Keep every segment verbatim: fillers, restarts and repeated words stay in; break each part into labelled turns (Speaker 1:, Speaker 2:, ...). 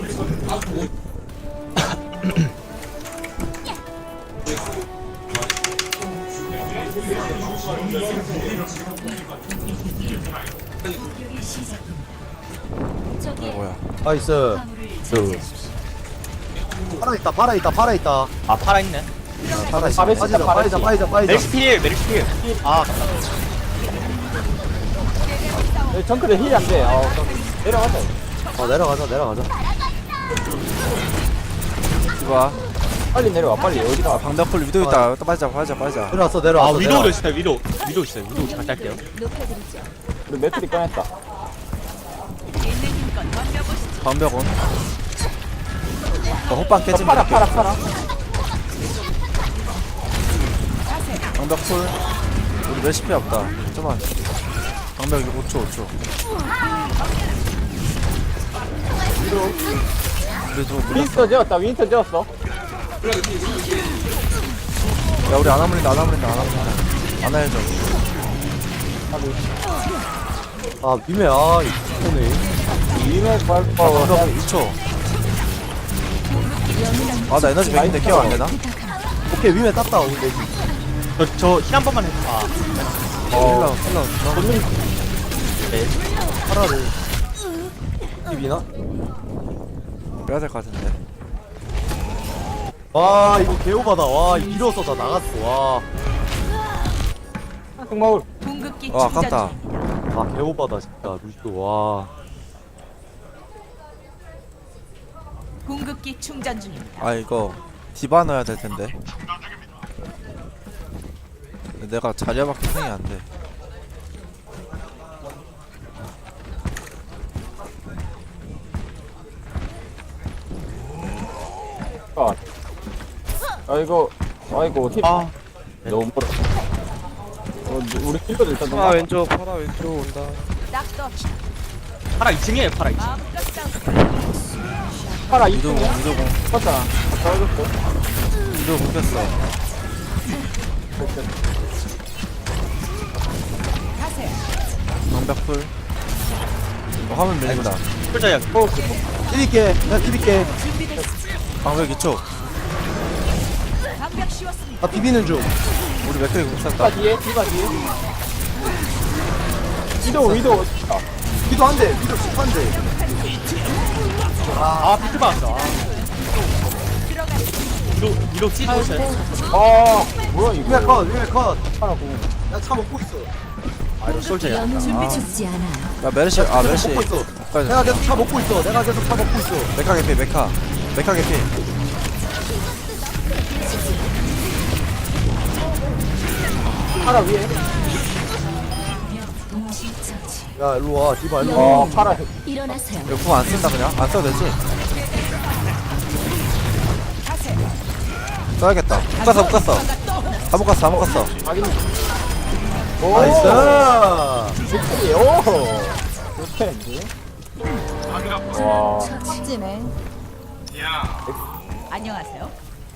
Speaker 1: 뭐야?
Speaker 2: 나이스.
Speaker 1: 그.
Speaker 2: 팔아 있다, 팔아 있다, 팔아 있다.
Speaker 3: 아 팔아있네.
Speaker 2: 팔아 있다.
Speaker 4: 파레시다,
Speaker 2: 빠지자, 빠지자, 빠지자, 빠지자.
Speaker 3: 메리시 필 메리시 필. 아
Speaker 4: 여기 정크대 힐이 안돼. 아, 내려가자.
Speaker 2: 어, 내려가자, 내려가자.
Speaker 1: 이봐.
Speaker 4: 빨리 내려와. 빨리 어디가?
Speaker 1: 방벽풀 위도 있다. 또 빠지자, 빠지자, 빠지자.
Speaker 2: 내려왔어,
Speaker 3: 아
Speaker 2: 내려왔어.
Speaker 3: 위도도
Speaker 2: 내려와.
Speaker 3: 있어요. 위도 위도 있어요. 위도 잘 딸게요.
Speaker 4: 우리 매트리 꺼냈다.
Speaker 1: 방벽은. 어, 호빵 깨진
Speaker 4: 팔아,
Speaker 1: 거.
Speaker 4: 팔아, 팔아.
Speaker 1: 방벽풀. 우리 레시피 없다. 좀만. 방벽 이거 오 초, 오 초. 그래도 우리
Speaker 4: 윈스터 지었다. 윈스터 지었어.
Speaker 1: 야 우리 안 아물린다, 안 아물린다, 안 아물린다. 안 해줘.
Speaker 2: 아, 미메, 아, 이 오네.
Speaker 4: 위메
Speaker 1: 아,
Speaker 4: 발파워.
Speaker 1: 방벽 이 초. 아, 나 에너지 백인데 케어 안 되나?
Speaker 2: 오케이, 미메 땄다, 근데.
Speaker 3: 저저힐 한 번만 해줘. 아
Speaker 1: 힐러, 힐러.
Speaker 4: 본능
Speaker 2: 파라를. 입이나?
Speaker 1: 빼야 될 것 같은데.
Speaker 2: 와, 이거 개오바다. 와, 밀어서 다 나갔어. 와.
Speaker 4: 흑마울.
Speaker 5: 궁극기
Speaker 1: 와,
Speaker 5: 충전
Speaker 1: 아깝다.
Speaker 5: 중.
Speaker 2: 아, 개오바다, 진짜. 루시도, 와.
Speaker 5: 궁극기 충전 중입니다.
Speaker 1: 아, 이거 디바 넣어야 될 텐데. 내가 자리야밖에 생이 안 돼.
Speaker 4: 아, 아이고, 아이고, 힐.
Speaker 3: 아.
Speaker 4: 너무 멀어. 어, 우리 킬러들 일단 너무.
Speaker 1: 파라 왼쪽, 파라 왼쪽 온다.
Speaker 5: 딱떠
Speaker 3: 파라 이 층이에요. 파라 이 층.
Speaker 5: 마음껏 싸우세요.
Speaker 4: 팔아
Speaker 1: 위도공,
Speaker 4: 이층이야.
Speaker 1: 위도공,
Speaker 4: 컸잖아. 떨어졌어.
Speaker 1: 위도 묶였어.
Speaker 5: 가세요.
Speaker 1: 방벽풀. 어, 화면 밀린다.
Speaker 3: 풀자야.
Speaker 2: 띠릴게, 내가 띠릴게.
Speaker 5: 준비됐습니다.
Speaker 1: 방벽 이 초.
Speaker 5: 방벽 씌웠습니다.
Speaker 2: 아, 비비는 중.
Speaker 1: 우리 맥크리 못
Speaker 4: 디바
Speaker 1: 샀다.
Speaker 4: 뒤에, 디바 뒤에. 위도, 위도.
Speaker 2: 비도 한 대, 비도 십한 대.
Speaker 3: 아 비트 받았어. 아. 위도 위도 찢고 있어요.
Speaker 4: 아, 뭐야, 이거.
Speaker 2: 위메 컷, 위메 컷.
Speaker 4: 하라고.
Speaker 2: 나 차 먹고 있어.
Speaker 3: 아 이거 솔저야.
Speaker 5: 준비 좋지 않아요.
Speaker 1: 야 메르시, 아 메르시.
Speaker 2: 먹고 있어.
Speaker 1: 까지.
Speaker 2: 내가 계속 차 먹고 있어. 내가 계속 차 먹고 있어.
Speaker 1: 메카 개피, 메카. 메카 개피.
Speaker 4: 팔아 위에.
Speaker 2: 야, 일로 와. 디바, 일로 와.
Speaker 4: 어, 팔아.
Speaker 5: 일어나세요.
Speaker 1: 이거 궁 안 쓴다 그냥? 안 써도 되지? 써야겠다. 못 갔어, 못 갔어. 다 못 갔어, 다 못 갔어.
Speaker 4: 확인. 오,
Speaker 2: 나이스.
Speaker 4: victory. 오. 좋대. 와.
Speaker 5: 찌네. 안녕하세요.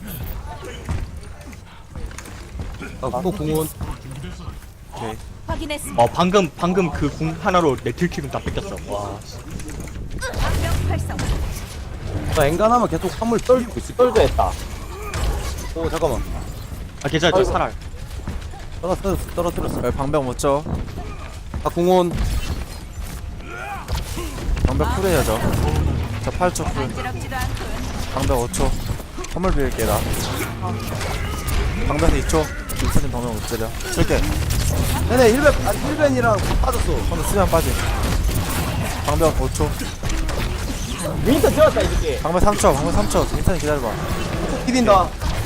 Speaker 2: 아, 또 공원.
Speaker 1: 오케이.
Speaker 5: 확인했습니다.
Speaker 3: 어 방금 방금 그 궁 하나로 내 딜킬은 다 뺏겼어. 와.
Speaker 5: 방벽 활성.
Speaker 2: 나 엔간하면 계속 화물 떨고 있을 거야.
Speaker 4: 떨져 했다.
Speaker 2: 오, 잠깐만.
Speaker 3: 아 괜찮아. 저
Speaker 4: 아이고.
Speaker 3: 살아.
Speaker 2: 떨어뜨렸어, 떨어뜨렸어.
Speaker 1: 여기 방벽 못 줘.
Speaker 2: 아, 공원.
Speaker 1: 방벽 쿨해야죠. 저 팔 초 쿨.
Speaker 5: 간지럽지도 않군.
Speaker 1: 방벽 오 초. 선물 빌게 나. 방벽 이 초. 인사님 방벽 못 때려. 줄게.
Speaker 2: 네네, 일벤, 아니, 일벤이랑 빠졌어.
Speaker 1: 한번 쓰면 빠지. 방벽 오 초.
Speaker 4: 윈터 지었다, 이 새끼.
Speaker 1: 방벽 삼 초. 방벽 삼 초. 인사님 기다려봐.
Speaker 2: 비빈다.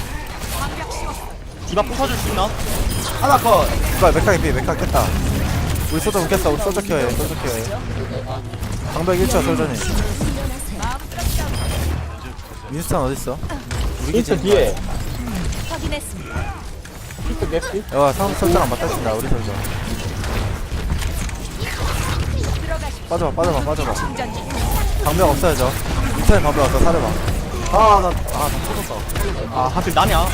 Speaker 3: 디바 부숴줄 수 있나?
Speaker 2: 하나 컷.
Speaker 1: 이거 메카 개피, 메카 깼다. 우리 소저 묶였어. 우리 소저 키워해. 소저 키워해. 방벽 일 초 솔전이. 윈스턴 어딨어? 우리
Speaker 4: 윈터
Speaker 1: 기지.
Speaker 4: 뒤에.
Speaker 5: 확인했습니다.
Speaker 4: 윈터 개피.
Speaker 1: 야, 상대 솔저랑 맞다친다. 우리 솔저. 빠져봐, 빠져봐, 빠져봐.
Speaker 5: 충전 중.
Speaker 1: 방벽 없어야죠. 윈스턴 방벽 없어. 사려봐.
Speaker 2: 아, 나, 아, 나 터졌다.
Speaker 3: 아 하필 나냐?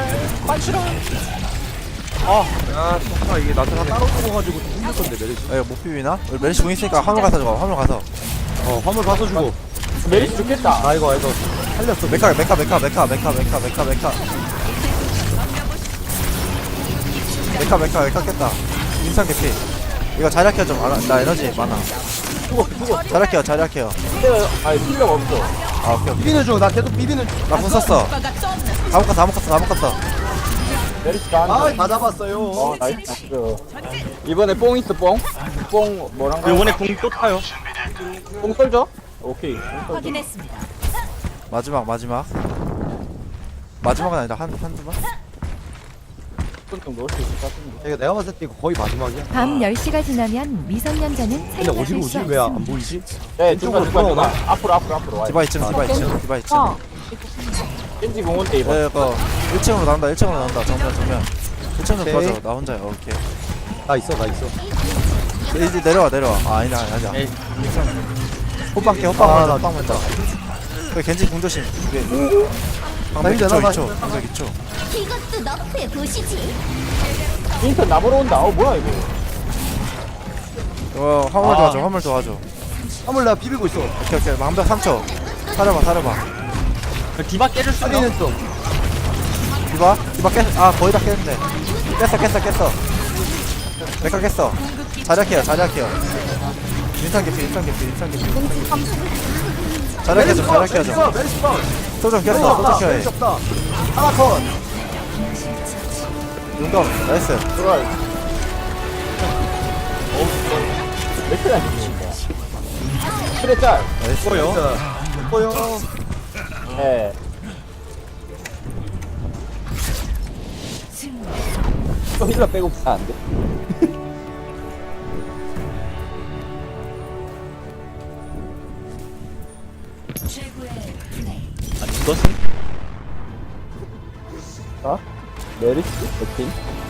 Speaker 2: 아, 정말 이게 나한테 따로 죽어가지고 좀 힘들 건데, 메르시.
Speaker 1: 야, 이거 못 비비나? 우리 멜시 공 있으니까 화물 가서 줘봐. 화물 가서.
Speaker 2: 어, 화물 가서 주고.
Speaker 4: 메리시 죽겠다.
Speaker 2: 아이고 아이고 살렸어.
Speaker 1: 메카 메카 메카 메카 메카 메카 메카 메카 메카 메카 메카 깼다. 인상 개피. 이거 자리아케어 좀 알아. 나 에너지 많아.
Speaker 4: 죽어 죽어.
Speaker 1: 자리아케어 자리아케어.
Speaker 4: 근데 아니 필요가 없어.
Speaker 1: 아 오케이 오케이.
Speaker 2: 비비는 중. 나 계속 비비는 중.
Speaker 1: 나궁 썼어. 다 묶었어 다 묶었어 다 묶었어.
Speaker 4: 메리시 다
Speaker 2: 아,
Speaker 4: 한다.
Speaker 2: 다 잡았어요.
Speaker 4: 어 나이스 나이스. 이번에 뽕 있어 뽕. 뽕 뭐란가?
Speaker 3: 요번에 궁 또 타요.
Speaker 4: 뽕 썰죠? 오케이. 뽕 썰죠.
Speaker 5: 확인했습니다.
Speaker 1: 마지막 마지막. 마지막은 아니다 한 한두 번.
Speaker 4: 좀 넣을 수 있을 것 같은데.
Speaker 2: 이거 내가 봤을 때 이거 거의 마지막이야.
Speaker 6: 밤 열 시가 지나면 미성년자는
Speaker 2: 근데
Speaker 6: 사용할
Speaker 2: 어디로
Speaker 6: 수
Speaker 2: 오지? 왜 안
Speaker 6: 없습니다.
Speaker 2: 보이지?
Speaker 4: 네,
Speaker 2: 이쪽으로
Speaker 4: 중간 중간
Speaker 2: 들어오나?
Speaker 4: 중간. 앞으로 앞으로 앞으로 와.
Speaker 1: 디바 이 층 디바 이 층 디바 이 층.
Speaker 6: 어,
Speaker 4: 겐지 공원 때 이번.
Speaker 1: 네, 이거 일 층으로 나온다 일 층으로 나온다 정면 정면. 일 층으로
Speaker 2: 오케이.
Speaker 1: 꺼져 나 혼자야 오케이.
Speaker 2: 나 있어 나 있어.
Speaker 1: 네, 이제 내려와 내려와. 아 아니다 아니다.
Speaker 3: 에이.
Speaker 1: 호빵 깨 호빵
Speaker 2: 아,
Speaker 1: 먼저
Speaker 2: 나
Speaker 1: 호빵 먼저. 그 겐지 궁조심. 왜? 방백
Speaker 2: 나
Speaker 1: 이 초
Speaker 2: 이제
Speaker 1: 이 초 방백 이 초.
Speaker 5: 이것도 너프에 보시지.
Speaker 4: 인턴 나보러 온다. 어 뭐야 이거?
Speaker 1: 어 화물
Speaker 4: 아.
Speaker 1: 도와줘 화물 도와줘.
Speaker 2: 화물 내가 비비고 있어.
Speaker 1: 오케이 오케이 방백 삼 초. 사려봐 사려봐.
Speaker 3: 디바 깨줄 수 있나?
Speaker 2: 살리는 중.
Speaker 1: 디바 디바 깼. 아 거의 다 깼는데. 깼어 깼어 깼어. 메카 깼어. 자리아케어 자리아케어. 인상 개피 인상 개피 인상 개피. 자리아케어 좀 자리아케어 좀.
Speaker 2: 메리시 방.
Speaker 1: 소좀
Speaker 2: 메리시
Speaker 1: 깼어
Speaker 2: 없다.
Speaker 1: 소좀 켜해.
Speaker 2: 메리시 없다. 하나 컷.
Speaker 1: 용감 나이스.
Speaker 4: 들어와. 어우, 몇 개나 죽는다. 그래 짤.
Speaker 1: 나이스.
Speaker 3: 뭐요?
Speaker 2: 보여.
Speaker 4: 예. 또 힐러 빼고 다 안 돼.
Speaker 3: 안 죽었음?
Speaker 4: 자, 메리스, 백팀.